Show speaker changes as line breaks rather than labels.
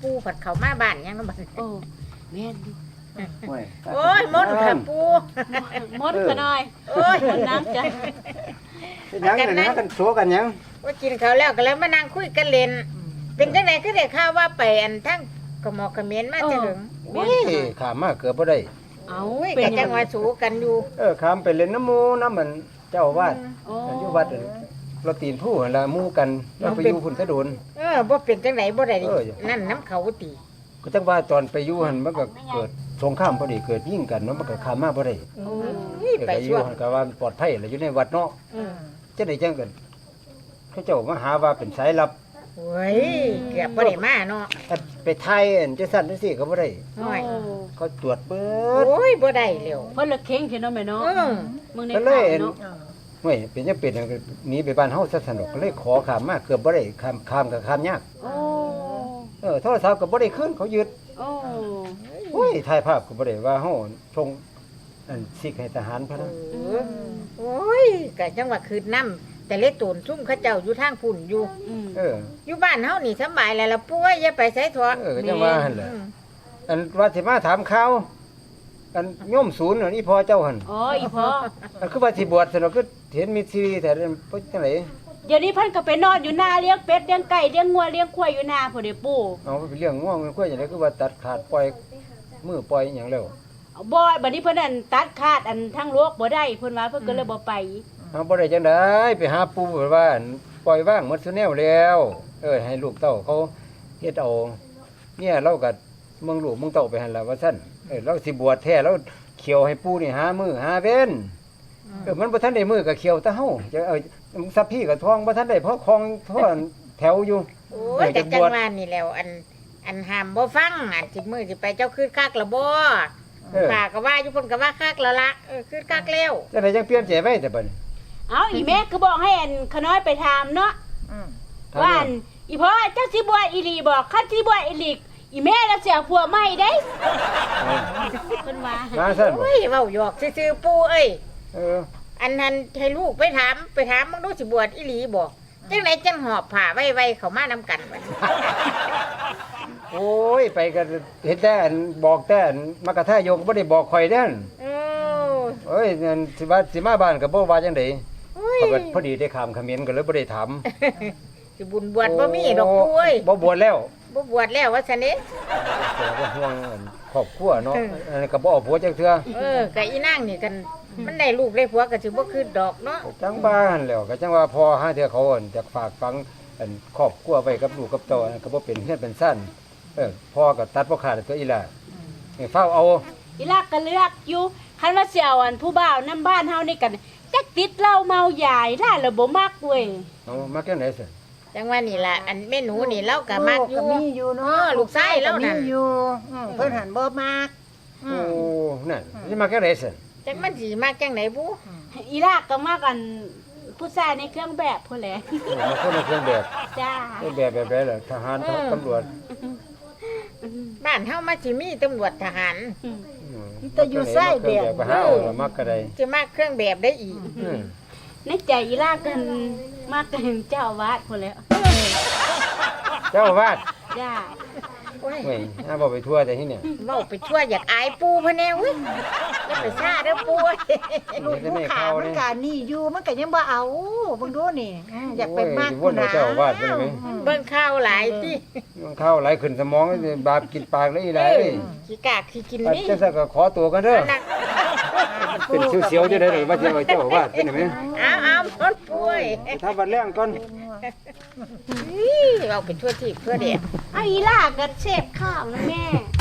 ปูผัดเข้ามาบ้านยังเนาะบัด
โอ้แม่นอยู่
โอ้ยมดค่ะปู
มดก็น้อย
โอ้ย
มดน้ำจ้ะ
ยังนะกันโซกันยัง
ว่ากินข้าวแล้วก็แล้วมานั่งคุยกันเล่นเป็นจังได๋คือได้ข่าวว่าไปอันทั้งกระหมอกกระเมียนมาจะถึง
โอ้ยขามมาเกือบบ่ได้
เอา
โอ้ย
เป็
ก็
น
จั
ยัง ง
ว่าสู้กันอยู่
ขามไปเล่นน้ำหมูน้ำมันเจ้าอาวาด
โอ้
อยู่วัดเราตีนผู้หั่นละหมู่กันเราไปอยู่พุ่นซะโดน
บ่เป็นจังไดบ่ได้
เออ
นั่นน้ำเขาติ
ก็จังว่าตอนไปอยู่หั่นมันก็เกิดสงครามพอดีเกิดยิงกันเนาะมันก็ขามมาบ่ได้
โอ้ยไป
ไปอ
ช่
ยู่
วง
หั่นก็ว่าปลอดภัยแล้วอยู่ในวัดเนาะจังได๋จังกันเขาเจ้ามาหาว่าเป็นสายลับ
โอ้ยเกือบบ่ได้มาเนาะ
ไปไทยอันจังซั่นจังซี่ก็บ่ได้
น้อย
เขาตรวจเบิ
โอ้
ด
ยบ่ได้เร็ว
เพิ่นละเข่งเนาะแม่เนาะมึงใน
ก็เล
ข่าวย เนาะ
เฮ้ยเป็นจังเป็นอันก็หนีไปบ้านเฮาซะสนุกก็เลยขอขามมาเกือบบ่ได้ข้ามก็ข้ามยาก
โอ้
โทรศัพท์ก็บ่ได้คืนเขายึด
โอ้
โอ้ยถ่ายภาพก็บ่ได้ว่าเฮาทงอันสิกให้ทหารพะนะ
โอ้ยก็จังว่าคืนน้ำแต่เล็ตูนซุ่มเขาเจ้าอยู่ทางพุ่นอยู่
อืม
เออ
อยู่บ้านเฮานี่สำบายแล้วล่ะป่วยอย่าไปไสถั่ว
ก็จังว่าหั่นแหละอันว่าสิมาถามข่าวอันโยมศูนย์อันนี้พอเจ้าหั่น
อ๋ออีพ่อ
อันคือว่าสิบวชสนุกคือเห็นมีซีรีส์แต่เป็นจังได๋
เดี๋ยวนี้เพิ่นก็ไปนอนอยู่หน้าเลี้ยงเป็ดเลี้ยงไก่เลี้ยงงัวเลี้ยงควายอยู่หน้าพุ่นเด้ปู่
เอาไปเลี้ยงง่วงมันคุยจังได๋คือว่าตัดขาดปล่อยมือปล่อยหยังแล้ว
บ่บัดนี้เพิ่นอันตัดขาดอันทั้งโลกบ่ได้เพิ่นว่าเพิ่นก็เลยบ่ไป
เอาบ่ได้จังได๋ไปหาปู่ว่าอันปล่อยว่างหมดซุแนวแล้วให้ลูกเต้าเขาเฮ็ดเอาเนี่ยเราก็เมืองลูกเมืองเต้าไปหั่นล่ะว่าซั่นเราสิบวชแท้เราเขียวให้ปู่นี่หามื้อหาเว้นมันบ่ทันได้มื้อก็เขียวแต่เฮาจะสัพพี่ก็ท้องบ่ทันได้เพราะคลองท่อนแถวอยู่
โอ้ยแต่จังว่านี่แล้วอันห้ามบ่ฟังอันสิมื้อสิไปเจ้าคืนคักละบ่ป้าก็ว่าอยู่เพิ่นก็ว่าคักแล้วล่ะคืนคักแล้ว
จังได๋จังเปลี่ยนใจไว้แต่บัดนี้
เอาอีแม่ก็บอกให้อันขน้อยไปถามเนาะว่าอันอีพ่อเจ้าสิบวชอีหลีบอกคันสิบวชอีหลีอีแม่แล้วเสียผัวใหม่เด้เพิ่นว่า
มาซั่นบ่
โอ้ยเว้าหยอกซื่อๆปู่เอ้ย
เออ
อันนั้นให้ลูกไปถามมึงดูสิบวชอีหลีบ่จังไดจังหอบผ้าไว้ๆเข้ามานํกันบัดนี้
โอ้ยไปก็เห็นแต่อันบอกแต่อันมากระทายกบ่ได้บอกข่อยเด้อ
โอ้
เอ้ยนั่นสิว่าสิมาบ้านก็บ่ว่าจังได๋
โอ้ย
เขาก็พอดีได้ข้ามเขมรก็เลยบ่ได้ถาม
สิบุญบวชบ่มีดอกปู่เอ้ย
บ่บวชแล้ว
บ่บวชแล้วว่าซั่นเด้
แต่ก็ห่วงอันครอบครัวเนาะอันนี้ก็บ่เอาผัวจักเทื่อ
ก็อีนางนี่กันมันได้ลูกได้ผัวก็สิบ่คืนดอกเนาะ
จังบ้านแล้วก็จังว่าพอหาเทื่อเขาอั่นจะฝากฝังอันครอบครัวไว้กับลูกกับเต้าอันก็บ่เป็นเฮือนเป็นซ่านพ่อก็ตัดบ่ขาดตัวอีหล่ะให้เฝ้าเอา
อีลักก็เลือกอยู่คันว่าสิเอาอันผู้บ่าวนํบ้านเฮานี่กันจักติดเหล้าเมายายล่ะแล้วบ่มักเว้ย
เอามาจังได๋ซั่น
จังว่านี่ล่ะอันแม่หนูนี่เราก็มักอยู่
มีอยู่เนาะ
ลูกชายเรานั่น
มีอยู่เพิ่นหันบ่มาก
โอ้นั่นสิมาจังได๋ซั่น
จังมันสิมักจังไดบุ
อีลักก็มักอันผู้ชายในเครื่องแบบพุ่นแหละ
มาคนละเครื่องแบบ
จ้า
แบบใดล่ะทหารตำรวจ
บ้านเฮามาสิมีตำรวจทหาร
แต่อยู่ไส้เดียว
ไปหาเอาละมักก็ได้
สิมักเครื่องแบบได้อีก
ในใจอีลักกันมักกันเจ้าอาวาสพุ่นแหล้ว
เจ้าอาวาด
จ้า
โอ้ย
เว้ยหาบ่ไปทั่วแต่ที่เนี่ย
เว้าไปชั่วอยากอายปู่พะแนวเว้ยอย่าไปซ่าเด้อปู่
ลูกผู้ขามันก็นี่อยู่มันก็ยังบ่เอาเบิ่งดูนี่อยากไปมาก
โอ้ยวนเอาเจ้าอาวาดไปเลยไหม
เบิ่งข่าวหลายติ
มันเข้าไหลขึ้นสมองบาปกินปากเลยอีหลายเอ้ย
ขี้กากขี้กิน
อัน
นี่
จังซั่นก็ขอตัวกันเด้อ
นัก
เป็นเสียวๆอยู่ได้เลยว่าจะเอาเจ้าอาวาดเป็นไหม
เอาหมดป่วย
ไปทำบัดแรงก่อน
เราเป็นชั่วที่เพื่อเด็ก
เอาอีลักก็เสพข้าวนะแม่